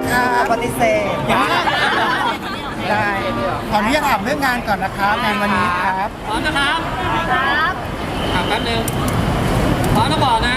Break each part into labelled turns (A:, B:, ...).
A: ปฏิเสธได้ขออนุญาตถามเรื่องงานก่อนนะครับงานวันนี้ครับ
B: พร้อมนะครับครับแป๊บนึงพร้อมแล้วบอกนะ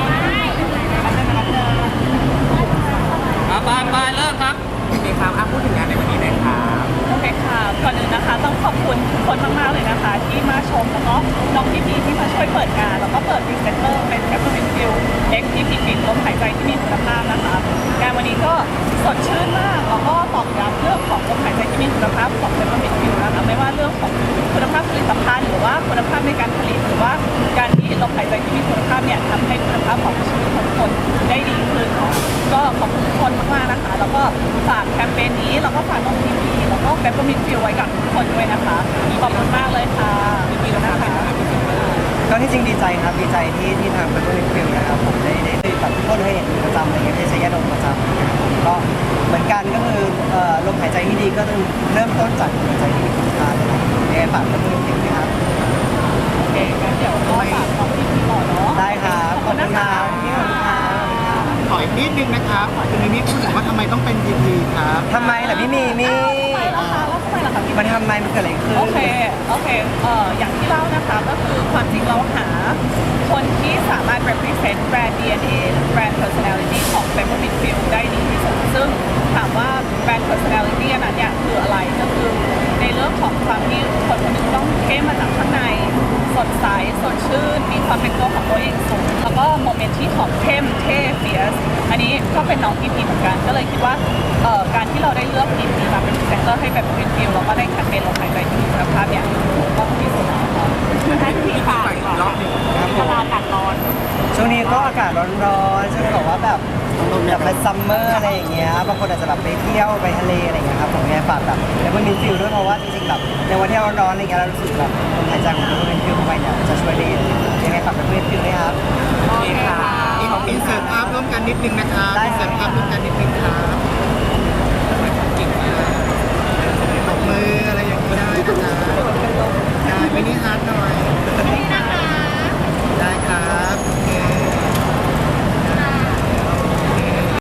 B: ไปเริ่มครับมีครับพูดถึงงานในวันนี้เลยครับ
C: โอเคค่ะก่อนอื่นนะคะต้องขอบคุณทุกคนมากๆเลยนะคะที่มาชมแล้วก็น้องพี่ๆที่มาช่วยเปิดงานแล้วก็เปิดพรีเซนเตอร์เป็นแคปเปอร์มินฟิลเอ็กซ์ที่ผิดลมหายใจที่มีคุณภาพนะคะงานวันนี้ก็สดชื่นมากแล้วก็ตอกย้ำเรื่องของลมหายใจที่มีคุณภาพของแคปเปอร์มินฟิลนะคะไม่ว่าเรื่องของคุณภาพผลิตภัณฑ์หรือว่าคุณภาพในการผลิตหรือว่าการที่ลมหายใจที่มีคุณภาพเนี่ยทำให้คุณภาพของชีวิตของคนได้ดีขึ้นก็ขอบคุณทุกคนมากๆนะคะแล้วก็ฝากแคมเปญนี้แล้วก็ฝากน้องพี่ๆแล้วก็แคปเปอร์มินฟิลไว้กับทุกคนด้วยนะคะขอบคุณมากเลยค่ะพี่ๆนะคะ
A: ก็ที่จริงดีใจครับดีใจที่ทางเป็นตัวฟิลนะครับผมได้แบบทุกคนเคยเห็นประจำอะไรเงี้ยได้ใช้ยาดมประจำก็เหมือนกันก็คือลมหายใจที่ดีก็ต้องเริ่มต้นจากลมหายใจที่มีคุณค่าเลยยังไงฝากเป็นตัวฟิลนะครับ
C: โอเคงั้นเดี๋ยวก็ฝากของพี่ๆก่อนเนาะ
A: ได้ครับขอบคุณครับ
D: ขออีกนิดนึงนะครับคุณมิมี่พูดถึงว่าทำไมต้องเป็น GP ครับ
A: ทำไมล่ะพี่มีมี่
C: ทำไมล่ะคะแล้วทำไมล่ะคะพี่
A: มันทำไมมันเกิดอะไรขึ้น
C: โอเคอย่างที่เล่านะคะก็คือความจริงเราหาคนที่สามารถ represent แบรนด์ DNA แบรนด์ personality ของ Peppermint Fill ได้ดีที่สุดซึ่งถามว่าแบรนด์ personality อันนั้นเนี่ยคืออะไรก็คือในเรื่องของความที่คนคนหนึงต้องเข้มมาจากข้างในสดใสสดชื่นมีความเป็นตัวของตัวเองสูงแล้วก็โมเมนต์ที่ของเข้มเท่เฟียสอันนี้ก็เป็นน้องพีเหมือนกันก็เลยคิดว่าการที่เราได้เลือกพีมาเป็นพรีเซนเตอร์ให้แบบเป็นฟิลแล้วก็ได้แคมเปญลมหายใจที่มีคุณภาพเนี่ยถูกต้องที่สุดแล้วให้พี่ฝากก่อนเวลาอากาศร้อน
A: ช่วงนี้ก็อากาศร้อนๆช่วงนี้บอกว่าแบบเป็นซัมเมอร์อะไรอย่างเงี้ยบางคนอาจจะแบบไปเที่ยวไปทะเลอะไรอย่างเงี้ยครับผมเนี่ยฝากแบบแล้วมันมีฟิลด้วยเพราะว่าจริงๆแบบในวันที่ร้อนๆอะไรเงี้ยเรารู้สึกแบบลมหายใจของเราเป็นฟิลเข้าไปเนี่ยจะช่วยได้ยังไงฝากเป็นฟิลด้วยครับ
C: โอเคค่ะ
D: อีกของอินเสิร์ตภาพร่วมกันนิดนึงนะครับ
A: ได้
D: อิน
A: ครั
D: เสิ
A: บ
D: ร์ตภาพร่วมกันนิดนึงครับ